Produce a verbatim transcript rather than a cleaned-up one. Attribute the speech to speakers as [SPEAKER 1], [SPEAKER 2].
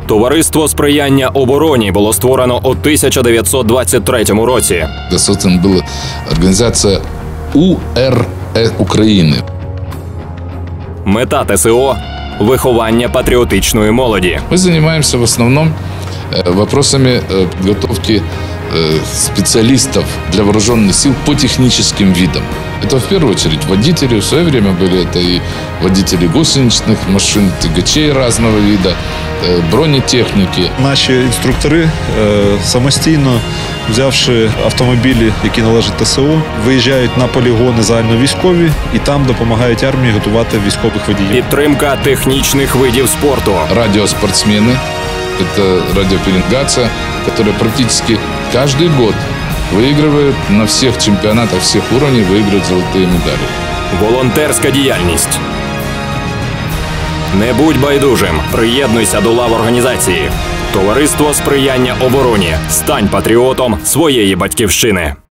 [SPEAKER 1] Товариство сприяння обороні було створено у тисяча дев'ятсот двадцять третьому році.
[SPEAKER 2] Создана була організація У Р України.
[SPEAKER 1] Мета ТСО – виховання патріотичної молоді.
[SPEAKER 2] Ми займаємося в основному вопросами підготовки специалистов для вооруженных сил по техническим видам. Это в первую очередь водители, в свое время были это и водители гусеничных машин, тягачей разного вида, бронетехніки.
[SPEAKER 3] Наші інструктори самостійно, взявши автомобілі, які належать ТСО, виїжджають на полігони загальновійськові і там допомагають армії готувати військових водіїв.
[SPEAKER 1] Підтримка технічних видів спорту.
[SPEAKER 2] Радиоспортсмены. Это радиопеленгация, которая практически каждый год выигрывает на всех чемпионатах всех уровней, выигрывает золотые медали.
[SPEAKER 1] Волонтерська діяльність. Не будь байдужим. Приєднуйся до лав організації. Товариство сприяння обороні. Стань патріотом своєї батьківщини.